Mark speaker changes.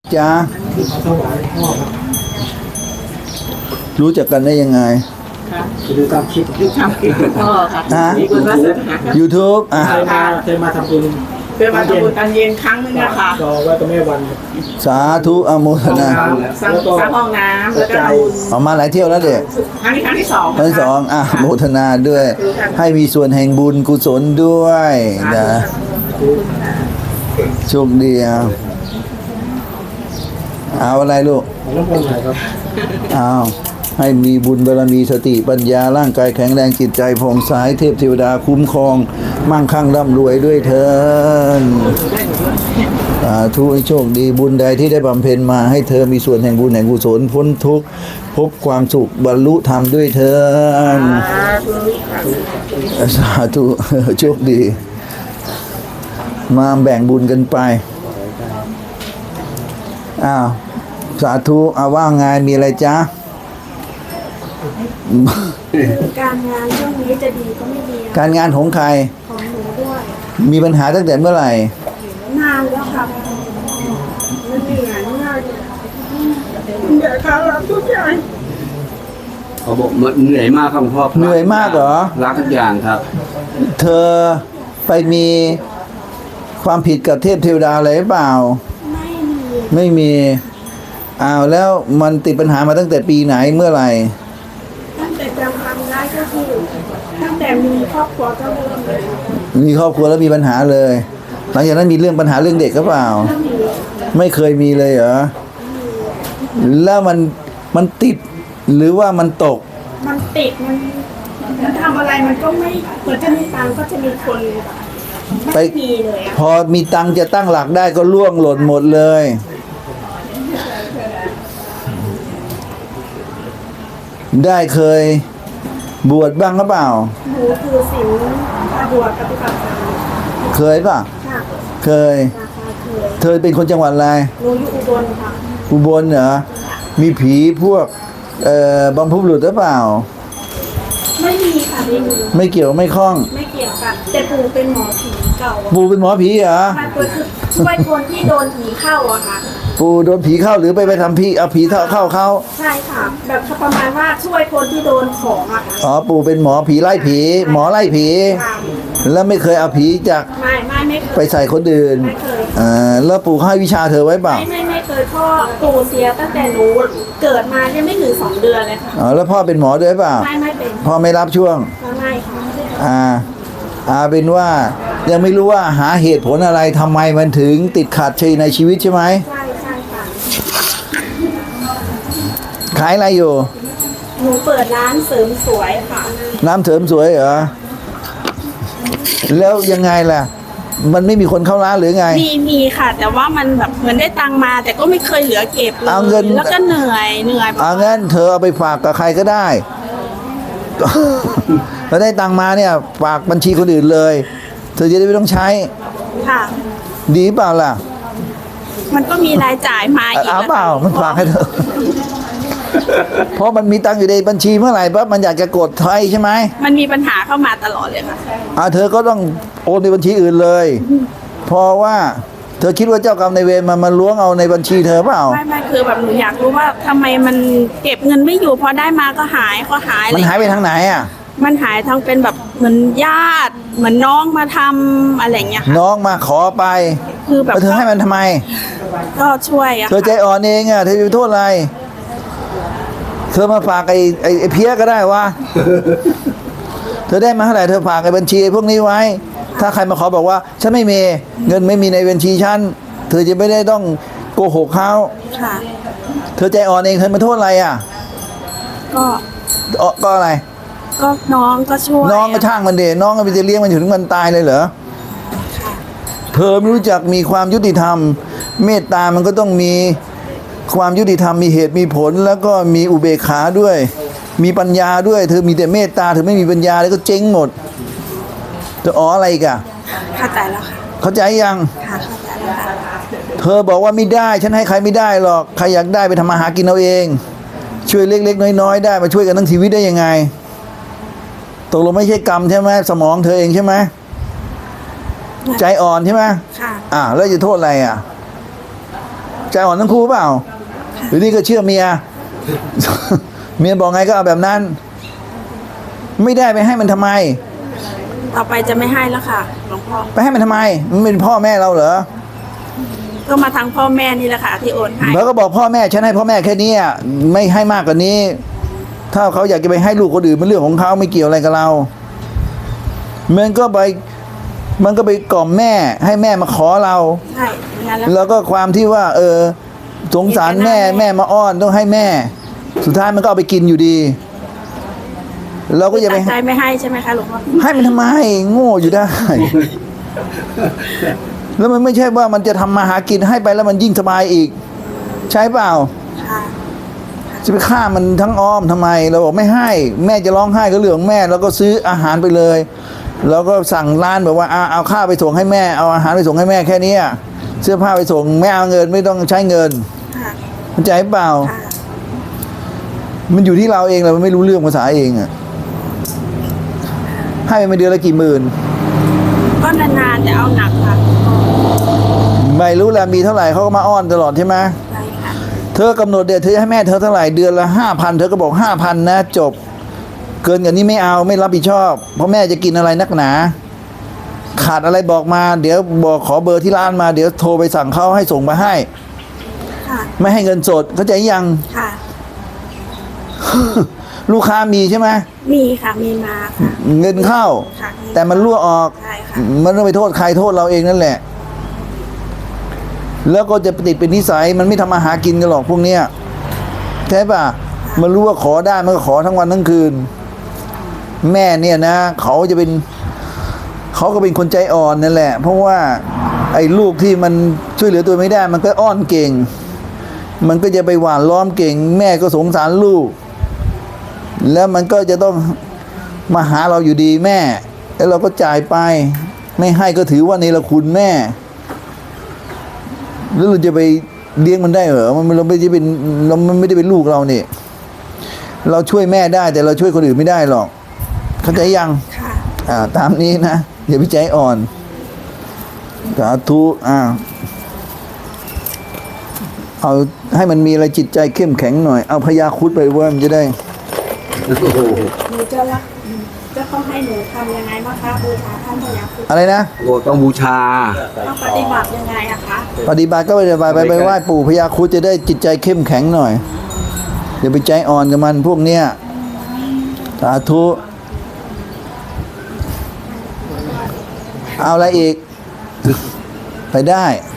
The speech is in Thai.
Speaker 1: จ้ารู้จักกันได้ยังไง
Speaker 2: ดูตามคลิปดูตามคลิปพ่อค่ะมีคุณวาสนา
Speaker 1: YouTube
Speaker 2: เคยมาทำบุญตอนเย็นครั้งนึงนะคะรอไว้กับแม่วัน
Speaker 1: สาธุอโมทนา
Speaker 2: สร้างห้องน้ำแล้วก็ทำบุญ
Speaker 1: ออกมาหลายเที่ยวแล้วเด็ก
Speaker 2: ครั้งที่สอง
Speaker 1: ครั้งที่สองโมทนาด้วย ให้มีส่วนแห่งบุญกุศลด้วยนะโชคดีเอาอะไรลูกเอาให้มีบุญบารมีสติปัญญาร่างกายแข็งแรงจิตใจผ่องใสเทพเทวดาคุ้มครองมั่งคั่งร่ำรวยด้วยเถิดสาธุให้โชคดีบุญใดที่ได้บำเพ็ญมาให้เธอมีส่วนแห่งบุญแห่งกุศลพ้นทุกข์พบความสุขบรรลุธรรมด้วยเถิดสาธุโชคดีมาแบ่งบุญกันไปสาธุว่าไงมีอะไรจ๊ะ
Speaker 3: การงานช่วงนี้จะดีก็ไม่ดี
Speaker 1: การงานของใคร
Speaker 3: ของหนูด้วย
Speaker 1: มีปัญหาตั้งแต่เมื่อไหร่
Speaker 3: นานแล้วครับมันเหนื่อยมากเดี๋ยวเขารับทุกอย่าง
Speaker 4: เขาบอกเหนื่อยมากครับพ่อ
Speaker 1: เหนื่อยมากเหรอ
Speaker 4: รักทุกอย่างครับ
Speaker 1: เธอไปมีความผิดกับเทพเทวดาอะไรหรือเปล่าไม่มีแล้วมันติดปัญหามาตั้งแต่ปีไหนเมื่อไหร่
Speaker 3: ตั้งแต่จำความได้ก็คือตั้งแต่มีครอบครัวก็เริ่มเลย
Speaker 1: มีครอบครัวแล้วมีปัญหาเลยหลังจากนั้นมีเรื่องปัญหาเรื่องเด็กหรือเปล่าไม่เคยมีเลยเหรอแล้วมันติดหรือว่ามันตก
Speaker 3: มันติดมันทำอะไรมันก็ไม่เหมือนจะมีตังก็จะมีคนไม่มีเลย
Speaker 1: พอมีตังจะตั้งหลักได้ก็ล่วงหล่นหมดเลยได้เคยบวชบ้างหรือเปล่า
Speaker 3: หนูคือศีลบวชปฏิบัติธรรม
Speaker 1: เคยป่ะเคยเธอเป็นคนจังหวัดอะไร
Speaker 3: หนูอยู่อุบลค่ะ
Speaker 1: อุบลเหรอมีผีพวกบำพุบุรุษหรือเปล่า
Speaker 3: ไม่มีค่ะ
Speaker 1: ไม่เกี่ยวไม่คล้อง
Speaker 3: ไม่เกี่ยวกันแต่ปู่เป็นหมอผีเก่า
Speaker 1: ปู่เป็นหมอผีเหรอ
Speaker 3: มันคือช่วยคนที่โดนผีเข้าอะค่ะ
Speaker 1: ปู่โดนผีเข้าหรือไปทำผีเอาผีเข้าเขา
Speaker 3: ใช่ค่ะแบบประมาณว่าช่วยคนที่โดนของอะค่ะ
Speaker 1: ปู่เป็นหมอผีไล่ผีหมอไล่ผีแล้วไม่เคยเอาผีจาก
Speaker 3: ไม่เคย
Speaker 1: ไปใส่คนอื่น
Speaker 3: ไม่เคย
Speaker 1: แล้วปู่ให้วิชาเธอไว้เปล่า
Speaker 3: ไม่เคยพ่อปู่เสียตั้งแต่หนูเกิดมายังไม่ถึง2 เดือนเลยค่ะ
Speaker 1: แล้วพ่อเป็นหมอด้วยเปล่า
Speaker 3: ไม่เป็น
Speaker 1: พ่อไม่รับช่วง
Speaker 3: ไม่ค่ะ
Speaker 1: เป็นว่ายังไม่รู้ว่าหาเหตุผลอะไรทำไมมันถึงติดขัดในชีวิตใช่ไหม
Speaker 3: ใช่ค่ะ
Speaker 1: ขายอะไรอยู่
Speaker 3: หนูเปิดร้านเสริมสวยค่ะ
Speaker 1: ร้านเสริมสวยเหรอแล้วยังไงล่ะมันไม่มีคนเข้าร้านหรือไง
Speaker 3: มีค่ะแต่ว่ามันแบบเหมือนได้ตังมาแต่ก็ไม่เคยเหลือเก็บเลย
Speaker 1: เอาเงิน
Speaker 3: แล้วก็เหนื่อย
Speaker 1: งั้นเธอเอาไปฝากกับใครก็ได้แล้วได้ตังมาเนี่ยฝากบัญชีคนอื่นเลยเธอจะได้ไม่ต้องใช้
Speaker 3: ค่ะ
Speaker 1: ดีเปล่าล่ะ
Speaker 3: มันก็มีรายจ่ายมาอีก
Speaker 1: เปล่ามันฝากให้เธอเพราะมันมีตังอยู่ในบัญชีเมื่อไหร่ปั๊บมันอยากจะกดไทยใช่ไหม
Speaker 3: มันมีปัญหาเข้ามาตลอดเลยค่ะ
Speaker 1: เธอก็ต้องโอนในบัญชีอื่นเลยเพราะว่าเธอคิดว่าเจ้ากรรมนายเวรมันล้วงเอาในบัญชีเธอเปล่า
Speaker 3: ไม่คือแบบหนูอยากรู้ว่าทำไมมันเก็บเงินไม่อยู่พอได้มาก็หาย
Speaker 1: มันหายไปทางไหน
Speaker 3: มันหายทางเป็นแบบเหมือนญาติเหมือนน้องมาทำอะไรเงี้ย
Speaker 1: น้องมาขอไป
Speaker 3: คือแบบ
Speaker 1: เธอให้มันทำไม
Speaker 3: ก็ช่วย
Speaker 1: เธอใจอ่อนเองเธอจะโทษอะไรเธอมาฝากไอ้เพี้ยก็ได้วะเธอได้มาเท่าไหร่เธอฝากไอ้บัญชีพวกนี้ไว้ถ้าใครมาขอบอกว่าฉันไม่มีเงินไม่มีในบัญชีฉันเธอจะไม่ได้ต้องโกหกเขาเธอใจอ่อนเองเธอมาโทษอะไร
Speaker 3: ก็
Speaker 1: อะไร
Speaker 3: ก็น้องก็ช่วย
Speaker 1: น้องก็ช่างมันเดน้องก็ไปจะเลี้ยงมันอยู่ถึงมันตายเลยเหรอเธอไม่รู้จักมีความยุติธรรมเมตตามันก็ต้องมีความยุติธรรมมีเหตุมีผลแล้วก็มีอุเบกขาด้วยมีปัญญาด้วยเธอมีแต่เมตตาเธอไม่มีปัญญาแล้วก็เจ๊งหมดเธออะไรอีก
Speaker 3: เข้าใจแล้วค่ะ
Speaker 1: เข้าใจยัง
Speaker 3: เข้าใจแล้ว
Speaker 1: เธอบอกว่าไม่ได้ฉันให้ใครไม่ได้หรอกใครอยากได้ไปทำมาหากินเอาเองช่วยเล็กๆน้อยๆได้มาช่วยกันทั้งชีวิตได้ยังไงตกลงไม่ใช่กรรมใช่ไหมสมองเธอเองใช่ไหมใจอ่อนใช่ไหม
Speaker 3: ค่ะ
Speaker 1: แล้วจะโทษอะไรใจอ่อนทั้งคู่เปล่าหรือนี่ก็เชื่อเมีย เมียบอกไงก็เอาแบบนั้น ไม่ได้ไปให้มันทำไม
Speaker 3: ต่อไปจะไม่ให้แล้วค่ะหลวงพ่อ
Speaker 1: ไปให้มันทำไม มันเป็นพ่อแม่เราเหรอ
Speaker 3: ก็มาทางพ่อแม่นี่แหละค่ะที่โอนให้
Speaker 1: แล้วก็บอกพ่อแม่ฉันให้พ่อแม่แค่นี้อะไม่ให้มากกว่านี้ ถ้าเขาอยากจะไปให้ลูกคนอื่นเป็นเรื่องของเขาไม่เกี่ยวอะไรกับเรามันก็ไปกล่อมแม่ให้แม่มาขอเรา
Speaker 3: ใช่งั้นแล้ว
Speaker 1: แล้วก็ความที่ว่า สงสารแม่มาอ้อนต้องให้แม่ สุดท้ายมันก็เอาไปกินอยู่ดี เราก็จะไป
Speaker 3: ตั้งใจไม่ให้ใช่ไหมคะหลวงพ่อ
Speaker 1: ให้มันทำไมโง่อยู่ได้ แล้วมันไม่ใช่ว่ามันจะทำมาหากินให้ไปแล้วมันยิ่งสบายอีก ใช่เปล่า
Speaker 3: ค่ะ
Speaker 1: จะไปฆ่ามันทั้งอ้อมทำไม เราบอกไม่ให้ แม่จะร้องไห้ก็เรื่องของแม่แล้วก็ซื้ออาหารไปเลยแล้วก็สั่งร้านแบบว่าเอาข้าวไปส่งให้แม่เอาอาหารไปส่งให้แม่แค่เนี้ยเสื้อผ้าไปส่งไม่เอาเงินไม่ต้องใช้เงิน
Speaker 3: ค่ะ
Speaker 1: เข้าใจเปล่า
Speaker 3: ค่ะ
Speaker 1: มันอยู่ที่เราเองเราไม่รู้เรื่องภาษาเองอะให้ไปเดือนละกี่หมื่น
Speaker 3: ก็นานๆจะเอาหนักค่ะ
Speaker 1: ไม่รู้แหละมีเท่าไหร่เขาก็มาอ้อนตลอดใช่ไหม
Speaker 3: ใช่ค่ะ
Speaker 1: เธอกำหนดเดือนเธอให้แม่เธอเท่าไหร่เดือนละ5,000เธอก็บอก5,000นะจบ เกินกว่านี้ไม่เอาไม่รับผิดชอบ เพราะแม่จะกินอะไรนักหนา ขาดอะไรบอกมา เดี๋ยวบอกขอเบอร์ที่ร้านมาเดี๋ยวโทรไปสั่งเขาให้ส่งมาให้
Speaker 3: ค่ะ
Speaker 1: ไม่ให้เงินสดเข้าใจยัง
Speaker 3: ค่ะ
Speaker 1: ลูกค้ามีใช่ไหม
Speaker 3: มีค่ะมีมาค่ะ
Speaker 1: เงินเข้า
Speaker 3: ค่ะ
Speaker 1: แต่มันรั่วออก
Speaker 3: ใช่ค่ะ
Speaker 1: มันต้องไปโทษใครโทษเราเองนั่นแหละ แล้วก็จะติดเป็นนิสัยมันไม่ทำมาหากินกันหรอกพวกเนี้ยใช่ป่ะมันรู้ว่าขอได้มันก็ขอทั้งวันทั้งคืน แม่เนี่ยนะเขาก็เป็นคนใจอ่อนนั่นแหละ เพราะว่าไอ้ลูกที่มันช่วยเหลือตัวไม่ได้ มันก็อ้อนเก่ง มันก็จะไปหวานล้อมเก่ง แม่ก็สงสารลูก แล้วมันก็จะต้องมาหาเราอยู่ดีแม่ แล้วเราก็จ่ายไป ไม่ให้ก็ถือว่าเนรคุณแม่ แล้วเราจะไปเลี้ยงมันได้เหรอมันเราไม่ได้เป็นมันไม่ได้เป็นลูกเราเนี่ยเราช่วยแม่ได้แต่เราช่วยคนอื่นไม่ได้หรอกเข้าใจยัง
Speaker 3: ค่ะ
Speaker 1: ตามนี้นะอย่าไปใจอ่อนสาธุเอาให้มันมีอะไรจิตใจเข้มแข็งหน่อยเอาพยาครุฑไปว่ามันจะได้
Speaker 4: โอ้โห
Speaker 3: หนูจะต้องให้หนูทำยังไงบ้างคะบูชาท่านพญาครุฑ
Speaker 1: อะไรนะ
Speaker 4: โอ้ต้องบูชา
Speaker 3: ต้องปฏิบัติยังไงอะคะ
Speaker 1: ปฏิบัติก็ไปไหว้ปู่พญาครุฑจะได้จิตใจเข้มแข็งหน่อยอย่าไปใจอ่อนกับมันพวกเนี้ยสาธุเอาอะไรอีก ไปได้